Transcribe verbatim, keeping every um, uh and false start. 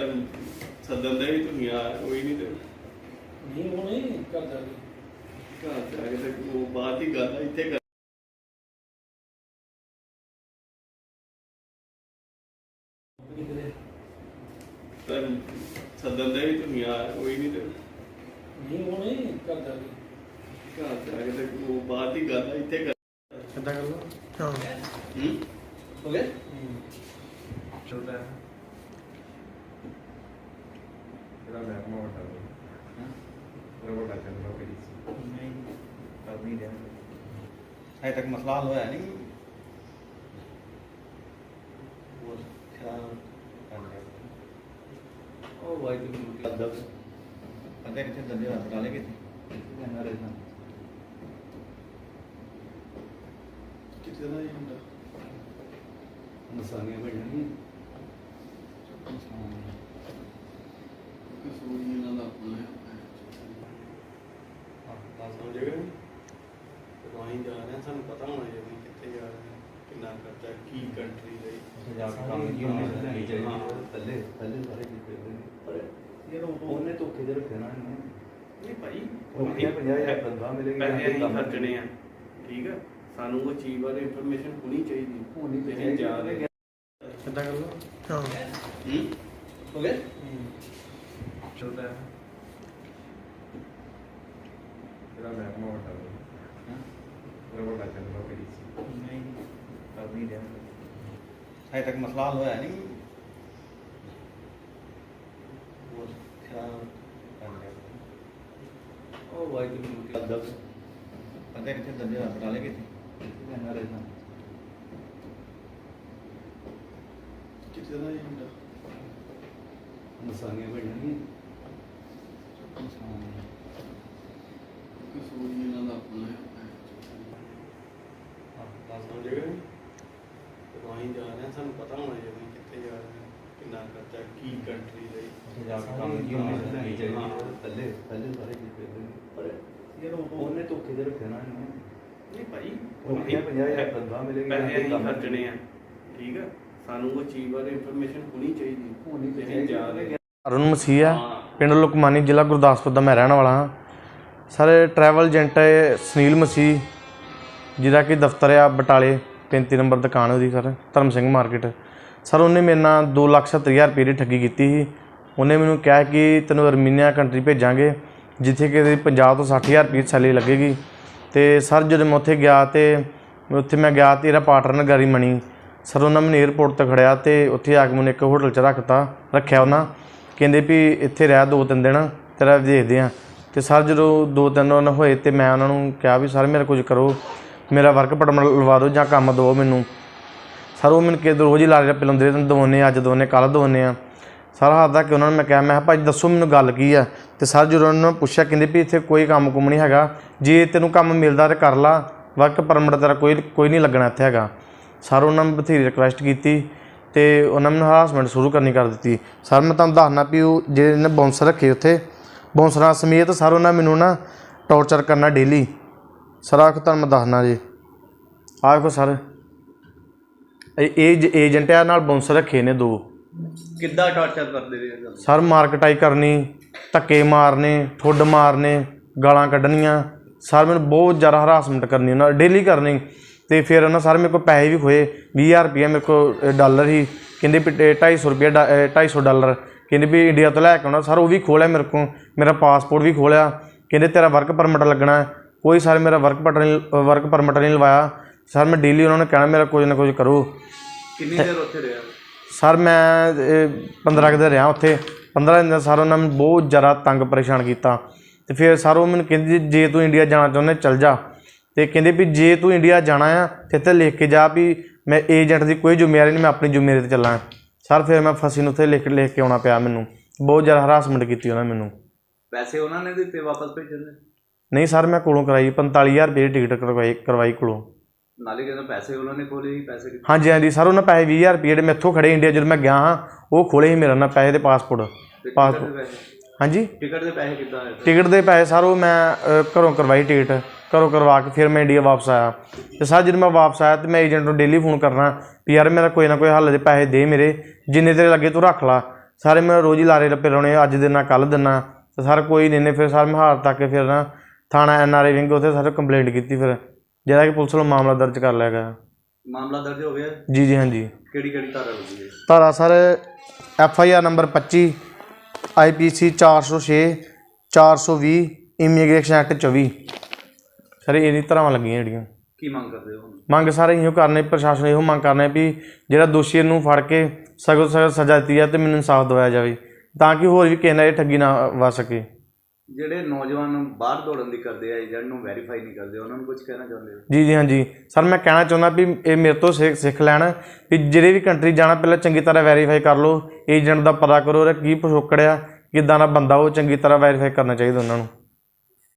सदन दे भी तुम यार कोई नहीं ते नहीं वो नहीं कर जाएगी घर जाके ते वो बात ही गल है इत्थे सदन दे भी तुम यार कोई नहीं ते नहीं वो नहीं कर जाएगी घर जाके ते वो बात ही गल है इत्थे कितना कर लो हाँ हम्म हो गया चलता है तेरा बैग में उठा दो हां तेरा बड़ा चल रहा है नहीं कर नहीं रहा अजे तक मसला हल होया नहीं वो क्या कर लिया ओ भाई तुम अदब अदे कितने दंदे हाथ डाले कितने कहना रहना कितना ये ਹੁੰਦਾ नसानियां बढ़नी ਕਸੂਰੀ ਇਹਨਾਂ ਦਾ ਆਪਣਾ ਹੈ हां ਤਾਂ ਸਮਝੇਗਾ ਜਦੋਂ ਅਸੀਂ ਜਾ ਰਹੇ ਹਾਂ ਸਾਨੂੰ ਪਤਾ ਹੋਣਾ ਚਾਹੀਦਾ ਕਿ ਕਿੱਥੇ ਜਾ ਰਹੇ ਹਾਂ ਕਿੰਨਾ ਖਰਚਾ ਕੀ ਕੰਟਰੀ ਲਈ जाके काम की होने नहीं चाहिए पहले पहले सारे चीज पर यार ਉਹਨੇ ਧੋਖੇ ਦੇ ਰੱਖਿਆ ਨਾ ਇਹਨੂੰ ਨਹੀਂ ਭਾਈ ਉਹ ਪੰਜਾਹ ਹਜ਼ਾਰ ਬੰਦਾ ਮਿਲੇਗਾ ਪੈਸੇ ਅਸੀਂ ਖਰਚਣੇ ਆ ਠੀਕ ਆ ਸਾਨੂੰ ਉਹ ਚੀਜ਼ ਬਾਰੇ ਇਨਫੋਰਮੇਸ਼ਨ ਹੋਣੀ ਚਾਹੀਦੀ ਹੋਣੀ ਤੇ ਅਸੀਂ ਜਾ ਰਹੇ कितना कर लो हाँ ਹੂੰ ਹੋ ਗਿਆ चलता है तेरा बैग में उठा दो हां तेरा बड़ा चल रहा है नहीं कर नहीं रहा अजे तक मसला हल होया नहीं वो क्या कर लिया ओ भाई तुम अदब अदे कितने दंदे हाथ डाले कितने कहना रहना ਕਿਤਨਾ ਇਹ ਹੁੰਦਾ नसानियां बढ़नी ਕਸੂਰੀ ਇਹਨਾਂ ਦਾ ਆਪਣਾ ਹੈ हां ਤਾਂ ਸਮਝੇਗਾ ਜਦੋਂ ਅਸੀਂ ਜਾ ਰਹੇ ਹਾਂ ਸਾਨੂੰ ਪਤਾ ਹੋਣਾ ਚਾਹੀਦਾ ਕਿ ਕਿੱਥੇ ਜਾ ਰਹੇ ਹਾਂ ਕਿੰਨਾ ਖਰਚਾ ਕੀ ਕੰਟਰੀ ਲਈ जाके काम की होने नहीं चाहिए पहले पहले सारे चीज पर यार ਉਹਨੇ ਧੋਖੇ ਦੇ ਰੱਖਿਆ ਨਾ ਇਹਨੂੰ ਨਹੀਂ ਭਾਈ ਉਹ ਪੰਜਾਹ ਹਜ਼ਾਰ ਬੰਦਾ ਮਿਲੇਗਾ ਪੈਸੇ ਅਸੀਂ ਖਰਚਣੇ ਆ ਠੀਕ ਆ ਸਾਨੂੰ ਉਹ ਚੀਜ਼ ਬਾਰੇ ਇਨਫੋਰਮੇਸ਼ਨ ਹੋਣੀ ਚਾਹੀਦੀ ਹੋਣੀ ਤੇ ਅਸੀਂ ਜਾ ਰਹੇ ਅਰੁਣ ਮਸੀਹ ਹੈ ਹਾਂ ਪਿੰਡ ਲੁਕਮਾਨੀ ਜ਼ਿਲ੍ਹਾ ਗੁਰਦਾਸਪੁਰ ਦਾ ਮੈਂ ਰਹਿਣ ਵਾਲਾ ਹਾਂ ਸਰ ਟਰੈਵਲ ਏਜੰਟ ਹੈ ਸੁਨੀਲ ਮਸੀਹ ਜਿਹਦਾ ਕਿ ਦਫ਼ਤਰ ਆ ਬਟਾਲੇ ਪੈਂਤੀ ਨੰਬਰ ਦੁਕਾਨ ਉਹਦੀ ਸਰ ਧਰਮ ਸਿੰਘ ਮਾਰਕੀਟ ਸਰ ਉਹਨੇ ਮੇਰੇ ਨਾਲ ਦੋ ਲੱਖ ਸੱਤਰ ਹਜ਼ਾਰ ਰੁਪਏ ਦੀ ਠੱਗੀ ਕੀਤੀ ਸੀ ਉਹਨੇ ਮੈਨੂੰ ਕਿਹਾ ਕਿ ਤੈਨੂੰ ਅਰਮੀਨੀਆ ਕੰਟਰੀ ਭੇਜਾਂਗੇ ਜਿੱਥੇ ਕਿ ਪੰਜਾਹ ਤੋਂ ਸੱਠ ਹਜ਼ਾਰ ਰੁਪਏ ਸੈਲਰੀ ਲੱਗੇਗੀ ਅਤੇ ਸਰ ਜਦੋਂ ਮੈਂ ਉੱਥੇ ਗਿਆ ਅਤੇ ਉੱਥੇ ਮੈਂ ਗਿਆ ਅਤੇ ਇਹਦਾ ਪਾਰਟਨਰ ਗਾਰੀ ਮਣੀ ਸਰ ਉਹਨਾਂ ਮੈਨੂੰ ਏਅਰਪੋਰਟ 'ਤੇ ਖੜਿਆ ਅਤੇ ਉੱਥੇ ਆ ਕੇ ਮੈਨੂੰ ਇੱਕ ਹੋਟਲ 'ਚ ਰੱਖਤਾ ਰੱਖਿਆ ਉਹਨਾਂ ਕਹਿੰਦੇ ਵੀ ਇੱਥੇ ਰਹਿ ਦੋ ਤਿੰਨ ਦਿਨ ਤੇਰਾ ਦੇਖਦੇ ਹਾਂ ਅਤੇ ਸਰ ਜਦੋਂ ਦੋ ਤਿੰਨ ਦਿਨ ਹੋਏ ਅਤੇ ਮੈਂ ਉਹਨਾਂ ਨੂੰ ਕਿਹਾ ਵੀ ਸਰ ਮੇਰਾ ਕੁਝ ਕਰੋ ਮੇਰਾ ਵਰਕ ਪਰਮਿਟ ਲਵਾ ਦਿਓ ਜਾਂ ਕੰਮ ਦਿਓ ਮੈਨੂੰ ਸਰ ਉਹ ਮੈਨੂੰ ਕਿਤੇ ਰੋਜ਼ ਹੀ ਲਾਰੇ ਰੱਪੇ ਲਾਉਂਦੇ ਤੈਨੂੰ ਦਵਾਉਂਦੇ ਅੱਜ ਦਵਾਉਂਦੇ ਕੱਲ੍ਹ ਦਵਾਉਂਦੇ ਆ ਸਰ ਹੱਦ ਤੱਕ ਉਹਨਾਂ ਨੂੰ ਮੈਂ ਕਿਹਾ ਮੈਂ ਕਿਹਾ ਭਾਈ ਦੱਸੋ ਮੈਨੂੰ ਗੱਲ ਕੀ ਆ ਅਤੇ ਸਰ ਜਦੋਂ ਉਹਨਾਂ ਨੂੰ ਪੁੱਛਿਆ ਕਹਿੰਦੇ ਵੀ ਇੱਥੇ ਕੋਈ ਕੰਮ ਕੁੰਮ ਨਹੀਂ ਹੈਗਾ ਜੇ ਤੈਨੂੰ ਕੰਮ ਮਿਲਦਾ ਤਾਂ ਕਰ ਲਾ ਵਰਕ ਪਰਮਿਟ ਤੇਰਾ ਕੋਈ ਕੋਈ ਨਹੀਂ ਲੱਗਣਾ ਇੱਥੇ ਹੈਗਾ ਸਰ ਉਹਨਾਂ ਨੇ ਬਥੇਰੀ ਰਿਕੁਐਸਟ ਕੀਤੀ ਅਤੇ ਉਹਨਾਂ ਮੈਨੂੰ ਹਰਾਸਮੈਂਟ ਸ਼ੁਰੂ ਕਰਨੀ ਕਰ ਦਿੱਤੀ ਸਰ ਮੈਂ ਤੁਹਾਨੂੰ ਦੱਸਣਾ ਵੀ ਉਹ ਜਿਹੜੇ ਇਹਨੇ ਬਾਉਂਸਰ ਰੱਖੇ ਉੱਥੇ ਬਾਉਂਸਰਾਂ ਸਮੇਤ ਸਰ ਉਹਨਾਂ ਮੈਨੂੰ ਨਾ ਟੌਰਚਰ ਕਰਨਾ ਡੇਲੀ ਸਰ ਆਖ ਤੁਹਾਨੂੰ ਮੈਂ ਦੱਸਣਾ ਜੀ ਆਹ ਵੇਖੋ ਸਰ ਇਹ ਏਜੰਟ ਆ ਨਾਲ ਬਾਉਂਸਰ ਰੱਖੇ ਨੇ ਦੋ ਕਿੱਦਾਂ ਟਾਰਚਰ ਕਰਦੇ ਰਹੇ ਸਰ ਮਾਰਕਟਾਈ ਕਰਨੀ ਧੱਕੇ ਮਾਰਨੇ ਠੁੱਡ ਮਾਰਨੇ ਗਾਲਾਂ ਕੱਢਣੀਆਂ ਸਰ ਮੈਨੂੰ ਬਹੁਤ ਜ਼ਿਆਦਾ ਹਰਾਸਮੈਂਟ ਕਰਨੀ ਉਹਨਾਂ ਡੇਲੀ ਕਰਨੀ ਅਤੇ ਫਿਰ ਉਹਨਾਂ ਸਰ ਮੇਰੇ ਕੋਲ ਪੈਸੇ ਵੀ ਖੋਏ ਵੀਹ ਹਜ਼ਾਰ ਰੁਪਈਆ ਮੇਰੇ ਕੋਲ ਡਾਲਰ ਹੀ ਕਹਿੰਦੇ ਵੀ ਢਾਈ ਸੌ ਰੁਪਈਆ ਢਾਈ ਸੌ ਡਾਲਰ ਕਹਿੰਦੇ ਵੀ ਇੰਡੀਆ ਤੋਂ ਲੈ ਕੇ ਆਉਣਾ ਸਰ ਉਹ ਵੀ ਖੋਹ ਲਿਆ ਮੇਰੇ ਕੋਲ ਮੇਰਾ ਪਾਸਪੋਰਟ ਵੀ ਖੋਹ ਲਿਆ ਕਹਿੰਦੇ ਤੇਰਾ ਵਰਕ ਪਰਮਿਟ ਲੱਗਣਾ ਕੋਈ ਸਰ ਮੇਰਾ ਵਰਕ ਪਰਮਿਟ ਨਹੀਂ ਵਰਕ ਪਰਮਿਟ ਨਹੀਂ ਲਵਾਇਆ ਸਰ ਮੈਂ ਡੇਲੀ ਉਹਨਾਂ ਨੂੰ ਕਹਿਣਾ ਮੇਰਾ ਕੁਝ ਨਾ ਕੁਝ ਕਰੋ ਕਿੰਨੀ ਦੇਰ ਉੱਥੇ ਰਿਹਾ ਸਰ ਮੈਂ ਪੰਦਰਾਂ ਕੁ ਦਿਨ ਰਿਹਾ ਉੱਥੇ ਪੰਦਰਾਂ ਦਿਨ ਸਰ ਉਹਨਾਂ ਮੈਨੂੰ ਬਹੁਤ ਜ਼ਿਆਦਾ ਤੰਗ ਪਰੇਸ਼ਾਨ ਕੀਤਾ ਅਤੇ ਫਿਰ ਸਰ ਉਹ ਮੈਨੂੰ ਕਹਿੰਦੇ ਜੇ ਤੂੰ ਇੰਡੀਆ ਜਾਣਾ ਚਾਹੁੰਦਾ ਚੱਲ ਜਾ ਅਤੇ ਕਹਿੰਦੇ ਵੀ ਜੇ ਤੂੰ ਇੰਡੀਆ ਜਾਣਾ ਆ ਤਾਂ ਇੱਥੇ ਲਿਖ ਕੇ ਜਾ ਵੀ ਮੈਂ ਏਜੰਟ ਦੀ ਕੋਈ ਜ਼ਿੰਮੇਵਾਰੀ ਨਹੀਂ ਮੈਂ ਆਪਣੀ ਜ਼ਿੰਮੇਵਾਰੀ 'ਤੇ ਚੱਲਾਂ ਸਰ ਫਿਰ ਮੈਂ ਫਸੀ ਨੂੰ ਉੱਥੇ ਲਿਖ ਲਿਖ ਕੇ ਆਉਣਾ ਪਿਆ ਮੈਨੂੰ ਬਹੁਤ ਜ਼ਿਆਦਾ ਹਰਾਸਮੈਂਟ ਕੀਤੀ ਉਹਨਾਂ ਮੈਨੂੰ ਪੈਸੇ ਉਹਨਾਂ ਨੇ ਦਿੱਤੇ ਵਾਪਸ ਭੇਜਣ ਦੇ ਨਹੀਂ ਸਰ ਮੈਂ ਕੋਲੋਂ ਕਰਾਈ ਪੰਤਾਲੀ ਹਜ਼ਾਰ ਰੁਪਏ ਦੀ ਟਿਕਟ ਕਰਵਾਈ ਕਰਵਾਈ ਕੋਲੋਂ ਨਾਲੇ ਕਹਿੰਦਾ ਪੈਸੇ ਉਹਨਾਂ ਨੇ ਖੋਲੇ ਸੀ ਪੈਸੇ ਹਾਂਜੀ ਹਾਂਜੀ ਸਰ ਉਹਨਾਂ ਪੈਸੇ ਵੀਹ ਹਜ਼ਾਰ ਰੁਪਏ ਜਿਹੜੇ ਮੈਥੋਂ ਖੜੇ ਇੰਡੀਆ ਜਦੋਂ ਮੈਂ ਗਿਆ ਹਾਂ ਉਹ ਖੋਲੇ ਸੀ ਮੇਰਾ ਨਾਲ ਪੈਸੇ ਦੇ ਪਾਸਪੋਰਟ ਪਾਸਪੋਰਟ ਹਾਂਜੀ ਟਿਕਟ ਦੇ ਪੈਸੇ ਕਿੱਦਾਂ ਆਏ ਟਿਕਟ ਦੇ ਪੈਸੇ ਸਰ ਉਹ ਮੈਂ ਘਰੋਂ ਕਰਵਾਈ ਟਿਕਟ ਘਰੋਂ ਕਰਵਾ ਕੇ ਫਿਰ ਮੈਂ ਇੰਡੀਆ ਵਾਪਸ ਆਇਆ ਅਤੇ ਸਰ ਜਦੋਂ ਮੈਂ ਵਾਪਸ ਆਇਆ ਤਾਂ ਮੈਂ ਏਜੰਟ ਨੂੰ ਡੇਲੀ ਫੋਨ ਕਰਨਾ ਵੀ ਯਾਰ ਮੇਰਾ ਕੋਈ ਨਾ ਕੋਈ ਹੱਲ ਦੇ ਪੈਸੇ ਦੇ ਮੇਰੇ ਜਿੰਨੇ ਤੇਰੇ ਲੱਗੇ ਤੂੰ ਰੱਖ ਲਾ ਸਾਰੇ ਮੈਂ ਰੋਜ਼ ਹੀ ਲਾਰੇ ਲੱਪੇ ਲਾਉਣੇ, ਅੱਜ ਦਿਨਾ ਕੱਲ੍ਹ ਦਿਨਾ, ਤੇ ਸਰ ਕੋਈ ਨਹੀਂ ਨੇ। ਫਿਰ ਸਰ ਮੈਂ ਹਾਰ ਤੱਕ ਫਿਰ ਨਾ ਥਾਣਾ ਐਨ ਆਰ ਆਈ ਵਿੰਗ ਉੱਥੇ ਸਰ ਕੰਪਲੇਂਟ ਕੀਤੀ, ਫਿਰ ਜਿਹਦਾ ਕਿ ਪੁਲਿਸ ਵੱਲੋਂ ਮਾਮਲਾ ਦਰਜ ਕਰ ਲਿਆ ਗਿਆ। ਮਾਮਲਾ ਦਰਜ ਹੋ ਗਿਆ ਜੀ ਜੀ ਹਾਂਜੀ। ਕਿਹੜੀ ਕਿਹੜੀ ਧਾਰਾ ਲੱਗੀ ਹੈ? ਧਾਰਾ sir F I R number ਪੱਚੀ, ਆਈ ਪੀ ਸੀ ਚਾਰ ਸੌ ਛੇ, ਚਾਰ ਸੌ ਵੀਹ, ਇਮੀਗ੍ਰੇਸ਼ਨ ਐਕਟ ਚੌਵੀ, ਸਰ ਇਹਦੀ ਧਾਰਾਵਾਂ ਲੱਗੀਆਂ ਜਿਹੜੀਆਂ। ਕੀ ਮੰਗ ਕਰਦੇ ਹੋ? ਮੰਗ ਸਾਰੇ ਇਹੋ ਕਰਨੇ, ਪ੍ਰਸ਼ਾਸਨ ਇਹੋ ਮੰਗ ਕਰਨੇ ਵੀ ਜਿਹੜਾ ਦੋਸ਼ੀ ਨੂੰ ਫੜ ਕੇ ਸਖਤ ਸਖਤ ਸਜ਼ਾ ਦਿੱਤੀ ਜਾਵੇ ਅਤੇ ਮੈਨੂੰ ਇਨਸਾਫ ਦਿਵਾਇਆ ਜਾਵੇ, ਤਾਂ ਕਿ ਹੋਰ ਵੀ ਕਿਸੇ ਨਾਲ ਇਹ ਠੱਗੀ ਨਾ ਵੱਜ ਸਕੇ। ਜਿਹੜੇ ਨੌਜਵਾਨ ਬਾਹਰ ਦੌੜਨ ਦੀ ਕਰਦੇ ਆ, ਏਜੰਟ ਨੂੰ ਵੈਰੀਫਾਈ ਨਹੀਂ ਕਰਦੇ, ਉਹਨਾਂ ਨੂੰ ਕੁਝ ਕਹਿਣਾ ਚਾਹੁੰਦੇ ਹੋ? ਜੀ ਜੀ ਹਾਂਜੀ ਸਰ, ਮੈਂ ਕਹਿਣਾ ਚਾਹੁੰਦਾ ਵੀ ਇਹ ਮੇਰੇ ਤੋਂ ਸਿੱਖ ਸਿੱਖ ਲੈਣ ਵੀ ਜਿਹੜੇ ਵੀ ਕੰਟਰੀ ਜਾਣਾ ਪਹਿਲਾਂ ਚੰਗੀ ਤਰ੍ਹਾਂ ਵੈਰੀਫਾਈ ਕਰ ਲਓ, ਏਜੰਟ ਦਾ ਪਤਾ ਕਰੋ, ਉਹਦਾ ਕੀ ਪਿਛੋਕੜ ਆ, ਕਿੱਦਾਂ ਦਾ ਬੰਦਾ ਉਹ ਚੰਗੀ ਤਰ੍ਹਾਂ ਵੈਰੀਫਾਈ ਕਰਨਾ ਚਾਹੀਦਾ ਉਹਨਾਂ ਨੂੰ।